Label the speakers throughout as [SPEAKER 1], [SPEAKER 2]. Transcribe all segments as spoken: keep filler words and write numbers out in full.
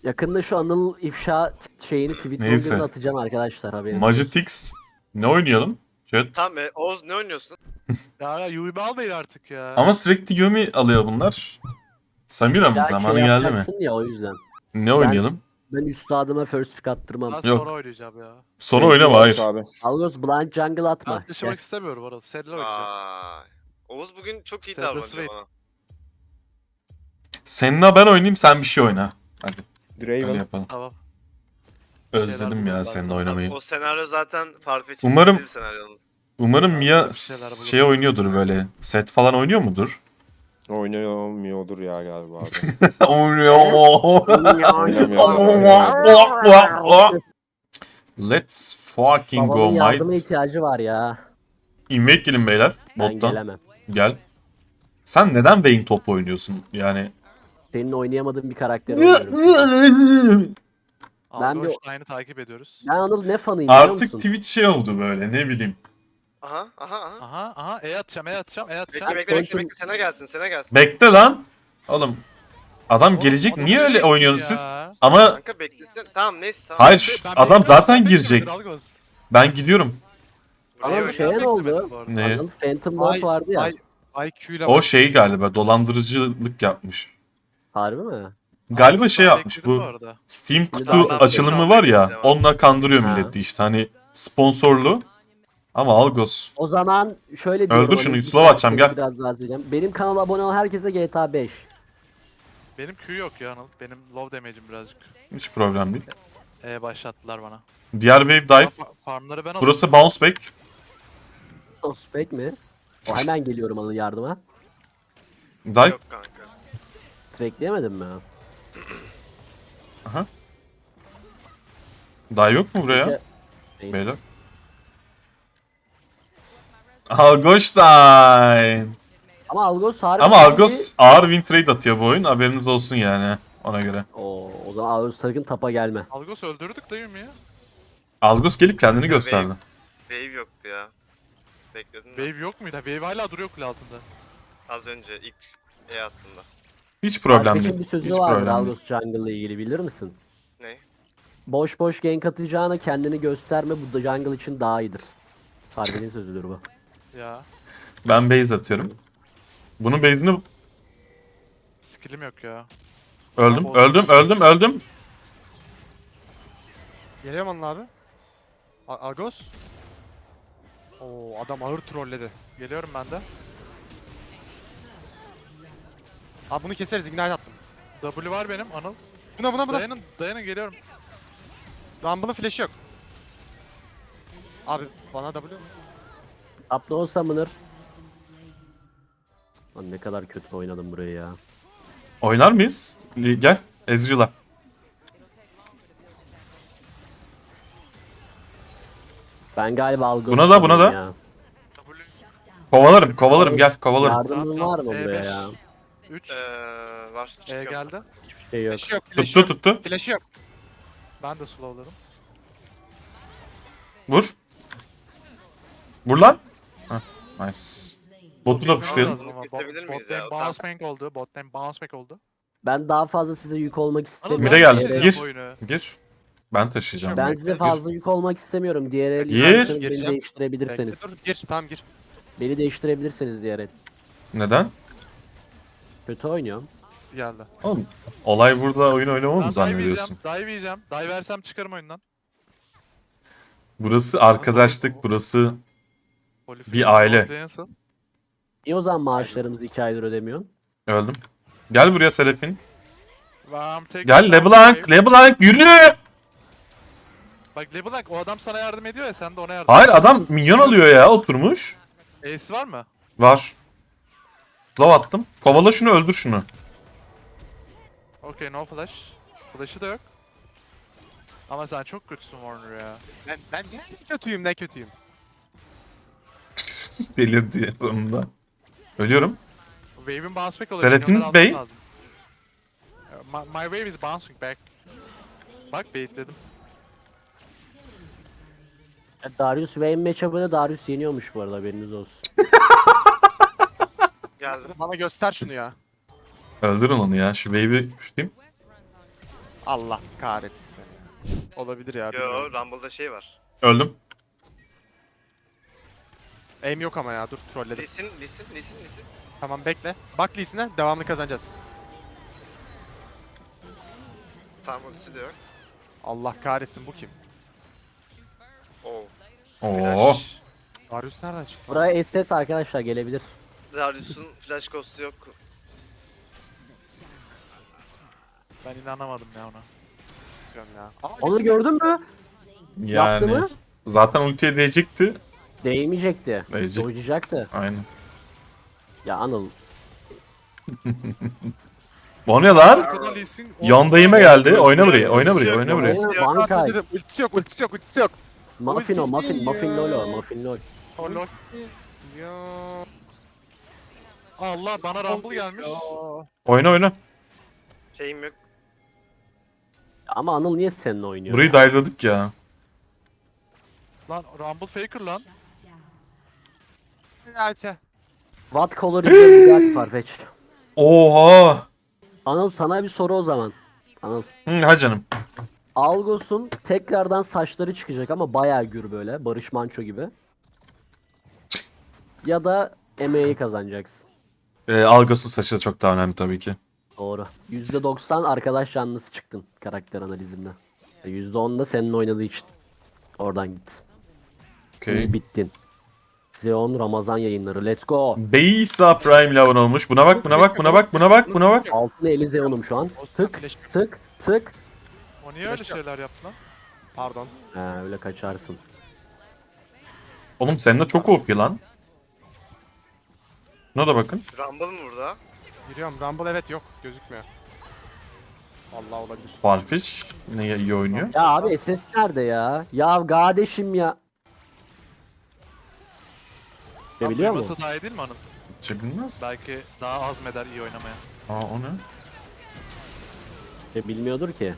[SPEAKER 1] Yakında şu Anıl ifşa t- şeyini tweet
[SPEAKER 2] Neyse.
[SPEAKER 1] bölümüne atacağım arkadaşlar, haberiniz olsun.
[SPEAKER 2] Magitix. Ne oynayalım? Chat.
[SPEAKER 3] Tamam e, Oğuz ne oynuyorsun?
[SPEAKER 4] Ya ya Yumi almayın artık ya.
[SPEAKER 2] Ama sürekli Yumi alıyor bunlar. Samira mı?
[SPEAKER 1] Ya
[SPEAKER 2] Zamanı
[SPEAKER 1] şey
[SPEAKER 2] geldi mi?
[SPEAKER 1] yapacaksın ya, o yüzden.
[SPEAKER 2] Ne oynayalım?
[SPEAKER 1] Ben üstadıma first pick attırmam.
[SPEAKER 4] Ben
[SPEAKER 2] Yok.
[SPEAKER 4] sonra oynayacağım ya.
[SPEAKER 2] Sonra oynama hayır.
[SPEAKER 5] Abi.
[SPEAKER 1] Algos blind jungle atma.
[SPEAKER 4] Ben taşımak istemiyorum orası. Seninle oynayacağım.
[SPEAKER 3] Vay. Oğuz bugün çok iyi
[SPEAKER 4] Sen de
[SPEAKER 3] davranıyor
[SPEAKER 4] Slade.
[SPEAKER 3] bana.
[SPEAKER 2] Seninle ben oynayayım, sen bir şey oyna. Hadi öyle
[SPEAKER 5] Draven.
[SPEAKER 2] yapalım.
[SPEAKER 4] Tamam.
[SPEAKER 2] Özledim
[SPEAKER 4] şeyler
[SPEAKER 2] ya
[SPEAKER 4] bulalım
[SPEAKER 2] seninle
[SPEAKER 4] ben
[SPEAKER 2] oynamayı.
[SPEAKER 3] O senaryo zaten Farfetch'in
[SPEAKER 2] Umarım-
[SPEAKER 3] bir senaryo.
[SPEAKER 2] Umarım
[SPEAKER 4] Ya,
[SPEAKER 2] Mia
[SPEAKER 4] bir şeyler bulalım.
[SPEAKER 2] şey oynuyordur böyle. Set falan oynuyor mudur?
[SPEAKER 5] Oynamıyordur ya galiba abi.
[SPEAKER 2] Oynuyor.
[SPEAKER 5] Oynamıyor.
[SPEAKER 2] Let's fucking go
[SPEAKER 1] Babamın yardıma
[SPEAKER 2] mate.
[SPEAKER 1] ihtiyacı var ya.
[SPEAKER 2] Invade gelin beyler.
[SPEAKER 1] Ben
[SPEAKER 2] Bottan.
[SPEAKER 1] gelemem.
[SPEAKER 2] Gel. Sen neden Vayne topla oynuyorsun? Yani.
[SPEAKER 1] Senin oynayamadığın bir karakter oynuyorum. Ben bir-
[SPEAKER 4] Aynı takip ediyoruz.
[SPEAKER 1] Ben Anıl ne fanıyım biliyor
[SPEAKER 2] Artık
[SPEAKER 1] musun?
[SPEAKER 2] Twitch şey oldu böyle, ne bileyim.
[SPEAKER 3] Aha aha aha.
[SPEAKER 4] Aha aha E atacağım E atacağım E atacağım.
[SPEAKER 3] Bekle bekle bekle
[SPEAKER 1] Quantum-
[SPEAKER 3] bekle sene gelsin sene gelsin.
[SPEAKER 2] Bekle lan. Oğlum. Adam
[SPEAKER 4] Oğlum,
[SPEAKER 2] gelecek.
[SPEAKER 4] adam
[SPEAKER 2] Niye öyle
[SPEAKER 4] gelecek
[SPEAKER 2] oynuyorsunuz
[SPEAKER 4] ya.
[SPEAKER 2] siz? Ama
[SPEAKER 3] Kanka beklesin. Tamam neyse tamam.
[SPEAKER 2] hayır şş,
[SPEAKER 4] Ben
[SPEAKER 2] adam
[SPEAKER 4] bekliyorum,
[SPEAKER 2] zaten
[SPEAKER 4] sen
[SPEAKER 2] girecek.
[SPEAKER 4] bekliyordur, Algos.
[SPEAKER 2] Ben gidiyorum.
[SPEAKER 3] Buraya
[SPEAKER 1] Anıl
[SPEAKER 3] oyna.
[SPEAKER 1] şeye ne
[SPEAKER 4] Beklemedim
[SPEAKER 1] oldu?
[SPEAKER 4] bu arada.
[SPEAKER 2] Ne?
[SPEAKER 1] Anıl Phantom
[SPEAKER 6] Ay-
[SPEAKER 1] Lord vardı ya.
[SPEAKER 6] Ay, I Q ile
[SPEAKER 2] O şey galiba dolandırıcılık yapmış.
[SPEAKER 1] Harbi mi?
[SPEAKER 2] Galiba şey
[SPEAKER 4] Ben
[SPEAKER 2] yapmış
[SPEAKER 4] bekledim
[SPEAKER 2] bu
[SPEAKER 4] arada.
[SPEAKER 2] Steam
[SPEAKER 1] Daha-
[SPEAKER 2] kutu
[SPEAKER 1] daha-
[SPEAKER 2] açılımı var ya,
[SPEAKER 3] daha-
[SPEAKER 2] onunla kandırıyor
[SPEAKER 1] Ha.
[SPEAKER 2] milleti işte hani sponsorlu. Ama Algos.
[SPEAKER 1] O zaman şöyle diyorum.
[SPEAKER 2] Öldür şunu,
[SPEAKER 1] Anıl, bir
[SPEAKER 2] slow atacağım,
[SPEAKER 1] saniye
[SPEAKER 2] gel.
[SPEAKER 1] Biraz daha izleyeceğim. Benim kanala abone olan herkese G T A beş.
[SPEAKER 4] Benim Q yok ya Anıl. Benim low damage'im birazcık.
[SPEAKER 2] Hiç problem değil.
[SPEAKER 4] E başlattılar bana.
[SPEAKER 2] Diğer wave dive.
[SPEAKER 4] Fa- Farmları ben alayım.
[SPEAKER 2] Burası bounce back.
[SPEAKER 1] Prospect mi? O hemen geliyorum Anıl yardıma.
[SPEAKER 2] Dive.
[SPEAKER 3] Yok kanka.
[SPEAKER 1] Trackleyemedim mi?
[SPEAKER 2] Dive yok mu buraya?
[SPEAKER 1] Neyse.
[SPEAKER 2] Beyler. Algostein.
[SPEAKER 1] Ama Algos harbi.
[SPEAKER 2] Ama Algos ağır win trade atıyor bu oyun. Haberiniz olsun yani ona göre.
[SPEAKER 1] Oo, o zaman Algos sakın tapa gelme.
[SPEAKER 4] Algos öldürdük de Yumi'yi.
[SPEAKER 2] Algos gelip kendini gösterdi.
[SPEAKER 3] Wave yoktu ya. Bekledin mi?
[SPEAKER 4] Wave yok muydu? Wave hala duruyor kule altında.
[SPEAKER 3] Az önce ilk E attığımda.
[SPEAKER 2] Hiç problem
[SPEAKER 1] Algos'un
[SPEAKER 2] değil.
[SPEAKER 1] bir sözü
[SPEAKER 2] Hiç
[SPEAKER 1] vardır
[SPEAKER 2] problem değil.
[SPEAKER 1] Algos Jungle ile ilgili, bilir misin?
[SPEAKER 3] Ne?
[SPEAKER 1] Boş boş gank atacağına kendini gösterme, bu da jungle için daha iyidir. Harbinin sözüdür bu.
[SPEAKER 4] Ya.
[SPEAKER 2] Ben base atıyorum. Bunun base'ini
[SPEAKER 4] Skill'im yok ya.
[SPEAKER 2] öldüm,
[SPEAKER 4] Tamam,
[SPEAKER 2] öldüm, öldüm, öldüm.
[SPEAKER 6] Geliyorum Anıl abi. A- Argos. Oo adam ağır trolledi.
[SPEAKER 4] Geliyorum ben de.
[SPEAKER 6] Abi bunu keseriz, ignite attım.
[SPEAKER 4] W var benim Anıl.
[SPEAKER 6] Buna buna buna.
[SPEAKER 4] Dayanın dayanın geliyorum.
[SPEAKER 6] Rumble'ın flash'ı yok. Abi bana W.
[SPEAKER 1] Tapta o summoner. Lan ne kadar kötü oynadım burayı ya.
[SPEAKER 2] Oynar mıyız? Li- Gel, Ezreal'a.
[SPEAKER 1] Ben galiba Algos.
[SPEAKER 2] Buna da, buna da.
[SPEAKER 1] ya.
[SPEAKER 4] W.
[SPEAKER 2] Kovalarım, kovalarım, gel, kovalarım.
[SPEAKER 1] Yardımın var mı
[SPEAKER 4] E
[SPEAKER 1] buraya
[SPEAKER 4] beş.
[SPEAKER 1] ya?
[SPEAKER 4] üç.
[SPEAKER 3] Ee, var.
[SPEAKER 4] E
[SPEAKER 3] Çıkıyor.
[SPEAKER 4] geldi.
[SPEAKER 1] Hiçbir şey yok.
[SPEAKER 6] Flash'ı yok, flash'ı
[SPEAKER 2] Tuttu,
[SPEAKER 6] yok.
[SPEAKER 2] tuttu.
[SPEAKER 6] Flash'ı yok.
[SPEAKER 4] Ben de slowladım.
[SPEAKER 2] Vur. Vur lan. Heh, nice. Botu da
[SPEAKER 4] Lazım
[SPEAKER 2] pushlayalım.
[SPEAKER 4] ama.
[SPEAKER 3] Kesebilir
[SPEAKER 4] Bot,
[SPEAKER 3] miyiz
[SPEAKER 4] bot
[SPEAKER 3] ya?
[SPEAKER 4] lane bounce back oldu. Bot lane bounce back oldu.
[SPEAKER 1] Ben daha fazla size yük olmak
[SPEAKER 4] Anıl,
[SPEAKER 1] istemiyorum.
[SPEAKER 2] Mide geldi,
[SPEAKER 1] Diğer-
[SPEAKER 4] taşıyacağım
[SPEAKER 2] gir.
[SPEAKER 4] bu oyunu.
[SPEAKER 2] Gir. Ben taşıyacağım.
[SPEAKER 1] Ben
[SPEAKER 4] Bekle,
[SPEAKER 1] size
[SPEAKER 4] gir.
[SPEAKER 1] fazla yük olmak istemiyorum. Diğer el
[SPEAKER 2] Gir.
[SPEAKER 1] isterseniz beni
[SPEAKER 6] Gireceğim.
[SPEAKER 1] değiştirebilirseniz.
[SPEAKER 6] Dur gir, tamam gir.
[SPEAKER 1] Beni değiştirebilirseniz diğer el.
[SPEAKER 2] Neden?
[SPEAKER 1] Kötü oynuyorum.
[SPEAKER 6] Geldi.
[SPEAKER 2] Oğlum, olay burada oyun oynamamı
[SPEAKER 4] Ben
[SPEAKER 2] mı
[SPEAKER 4] dive yiyeceğim.
[SPEAKER 2] zannediyorsun?
[SPEAKER 4] Dive yiyeceğim. Dive versem çıkarım oyundan.
[SPEAKER 2] Burası arkadaşlık, burası
[SPEAKER 4] Holy
[SPEAKER 2] Bir aile.
[SPEAKER 4] Flame nasıl?
[SPEAKER 1] Niye o zaman maaşlarımızı iki aydır ödemiyorsun?
[SPEAKER 2] öldüm. Gel buraya Selefin.
[SPEAKER 4] I'm taking
[SPEAKER 2] Gel
[SPEAKER 4] some
[SPEAKER 2] LeBlanc,
[SPEAKER 4] wave.
[SPEAKER 2] LeBlanc yürü!
[SPEAKER 4] Bak LeBlanc o adam sana yardım ediyor ya sen de ona yardım
[SPEAKER 2] Hayır adam minyon alıyor ya, oturmuş.
[SPEAKER 4] Ace var mı?
[SPEAKER 2] Var. Love attım. Kovala şunu, öldür şunu.
[SPEAKER 4] Okay no flash. Flash'ı da yok. Ama sen çok kötüsün Warner ya.
[SPEAKER 6] Ben, ben ne kötüyüm, ne kötüyüm.
[SPEAKER 2] Delirdi sonunda. Ölüyorum.
[SPEAKER 4] Wave'in bounce back oluyor.
[SPEAKER 2] Selahattin
[SPEAKER 4] milyonları
[SPEAKER 2] Bey.
[SPEAKER 4] alman lazım. My, my wave is bouncing back. Bak baitledim.
[SPEAKER 1] Ya Darius Vayne matchup'ını Darius yeniyormuş bu arada, haberiniz olsun.
[SPEAKER 3] Geldim.
[SPEAKER 6] Bana göster şunu ya.
[SPEAKER 2] Öldürün onu ya. Şu wave'i puşlayayım.
[SPEAKER 6] Allah kahretsin seni. Olabilir ya.
[SPEAKER 3] Yo
[SPEAKER 6] bilmiyorum.
[SPEAKER 3] Rumble'da şey var.
[SPEAKER 2] Öldüm.
[SPEAKER 6] Aim yok ama ya dur trolledim.
[SPEAKER 3] Lisin, lisin, lisin, lisin.
[SPEAKER 6] Tamam bekle. Bak Lee'sine devamlı kazanacağız.
[SPEAKER 3] Tam ultisi de yok.
[SPEAKER 6] Allah kahretsin bu kim?
[SPEAKER 3] Oo.
[SPEAKER 2] Oo.
[SPEAKER 3] Flash.
[SPEAKER 6] Darius nereden çıktı?
[SPEAKER 1] Buraya S S arkadaşlar gelebilir.
[SPEAKER 3] Darius'un flash ghost'u yok.
[SPEAKER 4] Ben inanamadım ya ona.
[SPEAKER 6] Diyorum ya. Aa,
[SPEAKER 1] Onu
[SPEAKER 6] Lee'sine-
[SPEAKER 1] gördün mü? Yaptı
[SPEAKER 2] Yani
[SPEAKER 1] mı?
[SPEAKER 2] zaten ultiye değecekti.
[SPEAKER 1] Değmeyecekti.
[SPEAKER 2] Değecek.
[SPEAKER 1] Dojacaktı.
[SPEAKER 2] Aynen.
[SPEAKER 1] Ya Anıl.
[SPEAKER 2] O ne lan?
[SPEAKER 4] Arkadan Lee Sin-
[SPEAKER 2] Yondayıma geldi. Oyna buraya, oyna buraya, oyna buraya.
[SPEAKER 1] Oyna,
[SPEAKER 3] Yok,
[SPEAKER 1] Bankay.
[SPEAKER 6] Dedim, Ultisi yok, ultisi yok, ultisi yok.
[SPEAKER 1] Muffin o,
[SPEAKER 6] Ultisi
[SPEAKER 1] muffin, muffin
[SPEAKER 6] ya.
[SPEAKER 1] lolo, muffin lol.
[SPEAKER 4] O lol.
[SPEAKER 6] Ya.
[SPEAKER 4] Allah bana Rumble gelmiş.
[SPEAKER 2] Oyna oyna.
[SPEAKER 3] Şeyim yok.
[SPEAKER 1] Ama Anıl niye seninle oynuyor?
[SPEAKER 2] Burayı dive'ladık ya.
[SPEAKER 4] Lan Rumble Faker lan.
[SPEAKER 6] Neyse.
[SPEAKER 1] What color is the Bugatti Farfetch?
[SPEAKER 2] Oha.
[SPEAKER 1] Anıl sana bir soru o zaman. Anıl.
[SPEAKER 2] Hı, ha canım.
[SPEAKER 1] Algos'un tekrardan saçları çıkacak ama bayağı gür böyle. Barış Manço gibi. Ya da M A'yi kazanacaksın.
[SPEAKER 2] Ee, Algos'un saçı da çok daha önemli tabii ki.
[SPEAKER 1] Doğru. yüzde doksan arkadaş canlısı çıktın karakter analizimde. yüzde on da senin oynadığı için. Oradan git.
[SPEAKER 2] Okay.
[SPEAKER 1] İyi bittin. Xeon Ramazan yayınları. Let's go.
[SPEAKER 2] Beysa Prime Level olmuş. Buna bak, buna bak, buna bak, buna bak, buna bak.
[SPEAKER 1] Altın eli Xeon'um şu an. Tık
[SPEAKER 6] Flash-
[SPEAKER 1] tık tık.
[SPEAKER 4] O niye öyle şeyler yaptı lan?
[SPEAKER 6] Pardon.
[SPEAKER 1] Ha öyle kaçarsın.
[SPEAKER 2] Oğlum senin de çok O P lan. Buna da bakın.
[SPEAKER 3] Rumble mı burada?
[SPEAKER 6] Giriyorum. Rumble evet yok. Gözükmüyor. Vallahi olabilir.
[SPEAKER 2] Farfetch ne iyi oynuyor.
[SPEAKER 1] Ya abi S S nerede ya? Ya kardeşim ya. Ne biliyor musun?
[SPEAKER 4] Duyması daha iyi değil mi onun?
[SPEAKER 2] Çebilmez.
[SPEAKER 4] Belki daha azmeder iyi oynamaya.
[SPEAKER 2] Aa o ne?
[SPEAKER 1] E, bilmiyordur ki.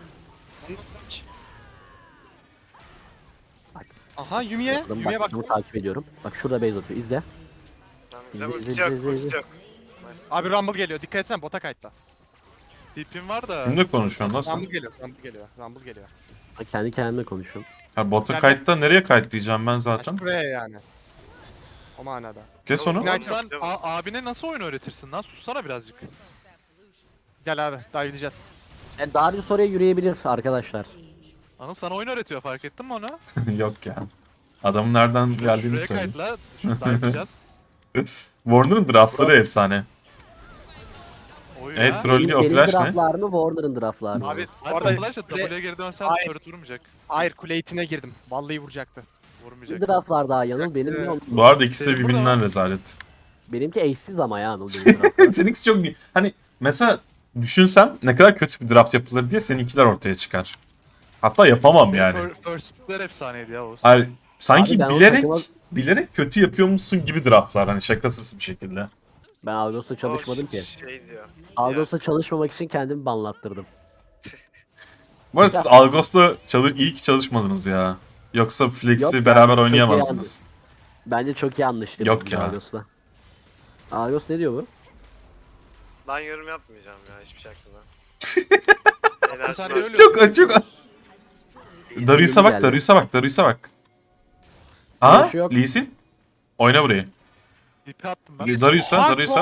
[SPEAKER 6] Aha Yumi'ye.
[SPEAKER 1] Adım
[SPEAKER 6] Yumi'ye
[SPEAKER 1] bak,
[SPEAKER 6] bak.
[SPEAKER 1] bunu takip ediyorum. Bak şurada base atıyor. İzle.
[SPEAKER 3] Tamam,
[SPEAKER 1] İzle,
[SPEAKER 3] ultisi
[SPEAKER 1] izle,
[SPEAKER 3] yok,
[SPEAKER 1] izle,
[SPEAKER 3] ultisi
[SPEAKER 1] izle.
[SPEAKER 3] yok.
[SPEAKER 6] Abi Rumble geliyor. Dikkat etsene bota kayıtta.
[SPEAKER 4] Tipim var da.
[SPEAKER 2] Kimle konuşuyorsun lan sen?
[SPEAKER 6] Rumble geliyor. Rumble geliyor. Rumble geliyor.
[SPEAKER 1] Ha, kendi kendime konuşuyorum.
[SPEAKER 2] Ha bota
[SPEAKER 6] Gel,
[SPEAKER 2] kayıtta nereye kayıt diyeceğim ben
[SPEAKER 6] Ha,
[SPEAKER 2] zaten.
[SPEAKER 6] şuraya yani. O manada.
[SPEAKER 2] Kes onu.
[SPEAKER 3] Yok,
[SPEAKER 4] Oğlum
[SPEAKER 3] yok.
[SPEAKER 4] sen a- abine nasıl oyun öğretirsin lan? Sussana birazcık.
[SPEAKER 6] Gel abi. Dive edeceğiz.
[SPEAKER 1] E, Darius oraya yürüyebilir arkadaşlar.
[SPEAKER 4] Anıl sana oyun öğretiyor fark ettin mi onu?
[SPEAKER 2] Yok ya. Adamın nereden geldiğini
[SPEAKER 4] Şuraya
[SPEAKER 2] söyle.
[SPEAKER 4] kayıtla. Şurada yapacağız.
[SPEAKER 2] Warner'ın draftları efsane.
[SPEAKER 4] Oyun
[SPEAKER 2] Evet,
[SPEAKER 4] ha.
[SPEAKER 2] troll- Trollüyor,
[SPEAKER 1] Benim
[SPEAKER 2] flash ne?
[SPEAKER 1] draftlar mı Warner'ın draftlar mı?
[SPEAKER 6] Abi
[SPEAKER 4] Hadi
[SPEAKER 6] orada
[SPEAKER 4] flash at,
[SPEAKER 6] kule,
[SPEAKER 4] W'ye geri dönsen
[SPEAKER 6] Hayır.
[SPEAKER 4] turret vurmayacak.
[SPEAKER 6] hayır kule itine girdim. Vallahi vuracaktı.
[SPEAKER 4] Vurmayacak.
[SPEAKER 1] Bir draftlar daha Yanıl benim ne oldu?
[SPEAKER 2] Bu arada ikisi de
[SPEAKER 4] Senin
[SPEAKER 2] birbirinden
[SPEAKER 4] burada-
[SPEAKER 2] rezalet.
[SPEAKER 1] Benimki eşsiz ama ya Anıl benim draftlar.
[SPEAKER 2] Seninkisi çok iyi. Hani mesela düşünsem ne kadar kötü bir draft yapılır diye seninkiler ortaya çıkar. Hatta yapamam yani.
[SPEAKER 4] Fir- First pickler efsaneydi ya Oğuz.
[SPEAKER 2] Hani sanki
[SPEAKER 1] Abi ben o
[SPEAKER 2] bilerek
[SPEAKER 1] takıma-
[SPEAKER 2] bilerek kötü yapıyormuşsun gibi draftlar hani şakasız bir şekilde.
[SPEAKER 1] Ben Algos'la çalışmadım
[SPEAKER 3] O
[SPEAKER 1] ki.
[SPEAKER 3] Şey diyor.
[SPEAKER 1] Algos'la çalışmamak için kendimi banlattırdım.
[SPEAKER 2] Bu arada siz Algos'ta çalış iyi ki çalışmadınız ya. Yoksa Flex'i
[SPEAKER 1] Yok ya,
[SPEAKER 2] beraber
[SPEAKER 1] çok iyi
[SPEAKER 2] oynayamazdınız.
[SPEAKER 1] Bence çok iyi anlaştık.
[SPEAKER 2] Yok ya.
[SPEAKER 1] Algos'la. Algos ne diyor bu?
[SPEAKER 3] Ben yorum yapmayacağım ya hiçbir şey hakkında.
[SPEAKER 4] Sen
[SPEAKER 3] Enerji
[SPEAKER 4] de
[SPEAKER 3] var.
[SPEAKER 4] öyle
[SPEAKER 2] Çok çok. Darius'a bak,
[SPEAKER 1] geldi.
[SPEAKER 2] Darius'a bak, Darius'a bak. Aa,
[SPEAKER 1] Darius yok.
[SPEAKER 2] Lee Sin. Oyna burayı.
[SPEAKER 4] ipi attım ben.
[SPEAKER 2] Darius'a, Darius'a.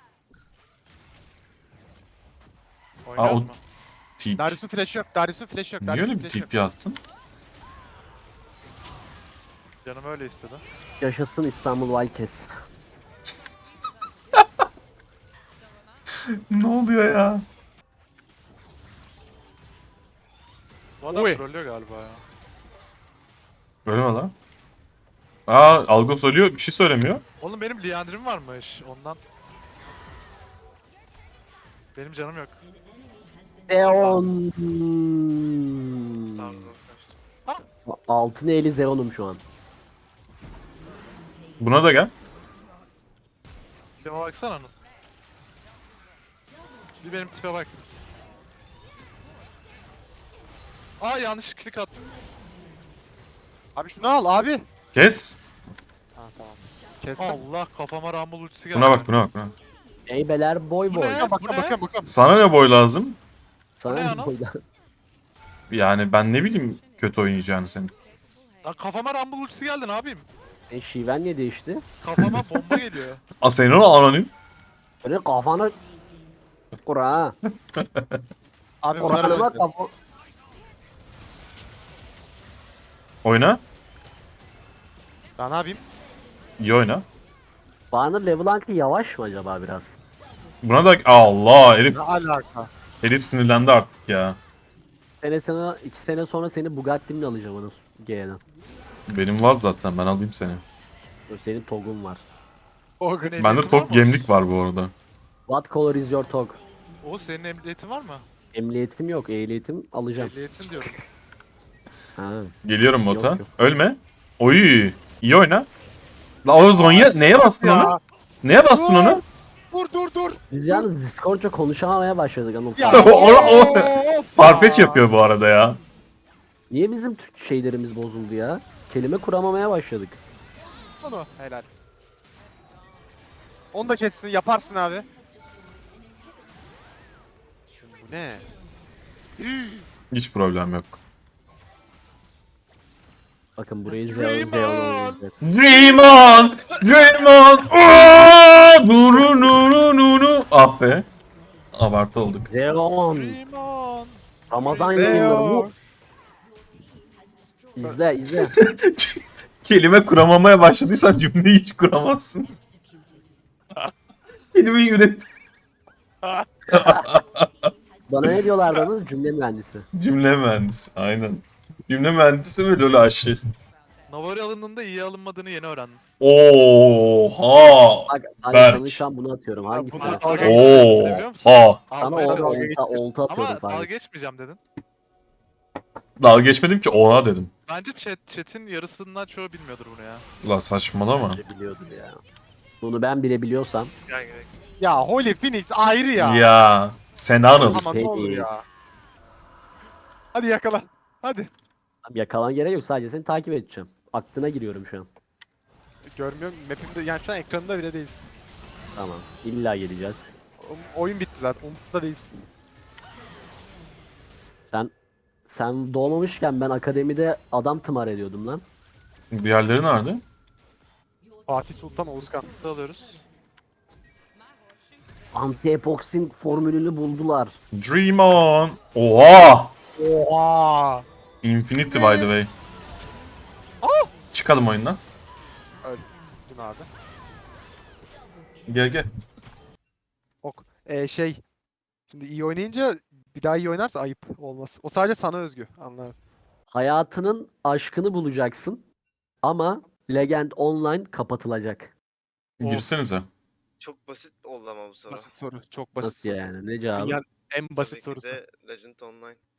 [SPEAKER 4] Oynuyoruz
[SPEAKER 2] Aa, o-
[SPEAKER 4] mu?
[SPEAKER 2] Tip.
[SPEAKER 6] Darius'un flash'ı yok. Darius'un flash'ı yok.
[SPEAKER 2] Niye
[SPEAKER 6] Darius'un
[SPEAKER 2] öyle bir
[SPEAKER 6] flash'ı yok.
[SPEAKER 2] tip yaptın?
[SPEAKER 4] Canım öyle istedi.
[SPEAKER 1] Yaşasın İstanbul Wildcats.
[SPEAKER 2] Ne oluyor ya?
[SPEAKER 4] Bu adam
[SPEAKER 6] Oy.
[SPEAKER 4] trollüyor galiba ya.
[SPEAKER 2] Böyle mi lan? Aa, Algos ölüyor, bir şey söylemiyor.
[SPEAKER 4] Oğlum benim Liandry'm varmış ondan. Benim canım yok.
[SPEAKER 1] Zeon.
[SPEAKER 3] Tamam, tamam.
[SPEAKER 1] Altın eli Zeon'um şu an.
[SPEAKER 2] Buna da gel.
[SPEAKER 4] Tipime baksana Anıl. Bir benim tipe bak. Aa yanlış klik attım.
[SPEAKER 6] Abi şunu al abi.
[SPEAKER 2] Kes.
[SPEAKER 6] Ha tamam. Kestim.
[SPEAKER 4] Allah kafama Rumble ultisi geldi.
[SPEAKER 2] Buna bak, buna bak. Buna.
[SPEAKER 1] Eybeler boy
[SPEAKER 4] Bu
[SPEAKER 1] boy.
[SPEAKER 4] ne?
[SPEAKER 6] Bakın
[SPEAKER 4] Bu ne?
[SPEAKER 6] bakın bakın.
[SPEAKER 2] Sana ne boy lazım?
[SPEAKER 1] Sana
[SPEAKER 4] Bu ne
[SPEAKER 1] ne
[SPEAKER 4] ana?
[SPEAKER 1] boydan?
[SPEAKER 2] Yani ben ne bileyim kötü oynayacağını senin.
[SPEAKER 4] Lan kafama Rumble ultisi geldi ne yapayım?
[SPEAKER 1] E, şiven niye değişti?
[SPEAKER 4] Kafama bomba geliyor.
[SPEAKER 2] Aa senin onu anonim.
[SPEAKER 1] Böyle kafanı kura ha.
[SPEAKER 6] Abi bunlara
[SPEAKER 1] Kur'an'ıma
[SPEAKER 6] döndü.
[SPEAKER 1] kafa...
[SPEAKER 2] Oyna.
[SPEAKER 6] Ben ne yapayım?
[SPEAKER 2] İyi oyna.
[SPEAKER 1] Bana LeBlanc'ı yavaş mı acaba biraz?
[SPEAKER 2] Buna da Allah herif,
[SPEAKER 6] Ne alaka?
[SPEAKER 2] herif sinirlendi artık ya.
[SPEAKER 1] Sene sana iki sene sonra seni Bugatti'mle alacağım onu G'den.
[SPEAKER 2] Benim var zaten ben alayım seni.
[SPEAKER 1] Senin TOG'un var.
[SPEAKER 6] O gün
[SPEAKER 2] Bende
[SPEAKER 4] var mı?
[SPEAKER 2] top gemlik var bu arada.
[SPEAKER 1] What color is your TOG?
[SPEAKER 4] O senin emniyetin var mı?
[SPEAKER 1] Emniyetim yok, ehliyetim alacağım.
[SPEAKER 4] Ehliyetin diyorum.
[SPEAKER 1] Ha.
[SPEAKER 2] Geliyorum bota.
[SPEAKER 1] Yok, yok.
[SPEAKER 2] Ölme. Oy. İyi oyna. La o Zonya neye bastın onu?
[SPEAKER 6] Ya.
[SPEAKER 2] Neye bastın onu?
[SPEAKER 6] Dur dur dur.
[SPEAKER 1] Biz yalnız Discord'ca konuşamamaya başladık Anıl.
[SPEAKER 6] Ya.
[SPEAKER 2] O- o-
[SPEAKER 6] of
[SPEAKER 2] Farfetch
[SPEAKER 6] ya.
[SPEAKER 2] yapıyor bu arada ya.
[SPEAKER 1] Niye bizim Türk şeylerimiz bozuldu ya? Kelime kuramamaya başladık.
[SPEAKER 6] Sana helal. Onu da kessin yaparsın abi. Bu ne?
[SPEAKER 2] Hiç problem yok.
[SPEAKER 1] Bakın burayı
[SPEAKER 4] Dream
[SPEAKER 1] Zeon Zeon
[SPEAKER 4] on!
[SPEAKER 1] oynayacak.
[SPEAKER 2] Dream on! Dream on! Aa! Nuru nuru nuru. Ah be. Abartı olduk.
[SPEAKER 1] Zeon!
[SPEAKER 4] Dream on.
[SPEAKER 1] Ramazan
[SPEAKER 6] Zeon.
[SPEAKER 1] yayınları bu. İzle izle.
[SPEAKER 2] Kelime kuramamaya başladıysan cümleyi hiç kuramazsın. Kelimeyi üret.
[SPEAKER 1] Bana ne diyorlardı Anıl? Cümle mühendisi.
[SPEAKER 2] Cümle mühendisi. Aynen. Cümle mühendisi ve lol aşı.
[SPEAKER 4] Navari alındığında iyi alınmadığını yeni öğrendim.
[SPEAKER 2] Oha.
[SPEAKER 1] Bak ben
[SPEAKER 2] Berk.
[SPEAKER 1] sana şu an bunu atıyorum. Hangisi?
[SPEAKER 4] Buna-
[SPEAKER 1] Sana,
[SPEAKER 4] Dalga-
[SPEAKER 2] Oha.
[SPEAKER 1] sana
[SPEAKER 6] Abi,
[SPEAKER 1] o,
[SPEAKER 6] dalga
[SPEAKER 1] olta,
[SPEAKER 6] geçiyorsun.
[SPEAKER 1] olta atıyorum
[SPEAKER 4] Ama dalga
[SPEAKER 1] falan.
[SPEAKER 4] geçmeyeceğim dedin.
[SPEAKER 2] Dalga geçmedim ki oha dedim.
[SPEAKER 4] Bence chat, chat'in yarısından çoğu bilmiyordur bunu ya.
[SPEAKER 2] La saçmalama.
[SPEAKER 1] Biliyordur ya. Bunu ben bile biliyorsam.
[SPEAKER 3] Gel gerek.
[SPEAKER 6] Ya Holy Phoenix ayrı ya.
[SPEAKER 2] Ya. Sen Anıl.
[SPEAKER 6] Aman ne olur ya.
[SPEAKER 1] Phoenix.
[SPEAKER 6] Hadi yakala. Hadi.
[SPEAKER 1] Abi yakalan gerek yok, sadece seni takip edeceğim. Aklına giriyorum şu an.
[SPEAKER 6] Görmüyorum mapimde yani şu an ekranında bile değilsin.
[SPEAKER 1] Tamam. İlla geleceğiz.
[SPEAKER 6] O- Oyun bitti zaten. Umut'ta değilsin.
[SPEAKER 1] Sen sen doğmamışken ben akademide adam tımar ediyordum lan.
[SPEAKER 2] Diğerleri nerede?
[SPEAKER 6] Fatih Sultan Oğuzkan.
[SPEAKER 4] Mutlu alıyoruz.
[SPEAKER 1] Anti-epoxin formülünü buldular.
[SPEAKER 2] Dream on. Oha.
[SPEAKER 6] Oha.
[SPEAKER 2] Infinity by the way. Çıkalım oyundan.
[SPEAKER 6] Dün abi.
[SPEAKER 2] Gel gel.
[SPEAKER 6] Ok. Ee, şey. Şimdi iyi oynayınca bir daha iyi oynarsa ayıp olmaz. O sadece sana özgü. Anladım.
[SPEAKER 1] Hayatının aşkını bulacaksın ama Legend Online kapatılacak.
[SPEAKER 2] Girsenize.
[SPEAKER 3] Çok basit oldu ama bu soru.
[SPEAKER 6] Basit soru. Çok basit
[SPEAKER 1] Nasıl
[SPEAKER 6] soru.
[SPEAKER 1] yani? Ne cevabı?
[SPEAKER 6] Yani en basit
[SPEAKER 3] Tabii ki
[SPEAKER 6] sorusu.
[SPEAKER 3] de Legend Online.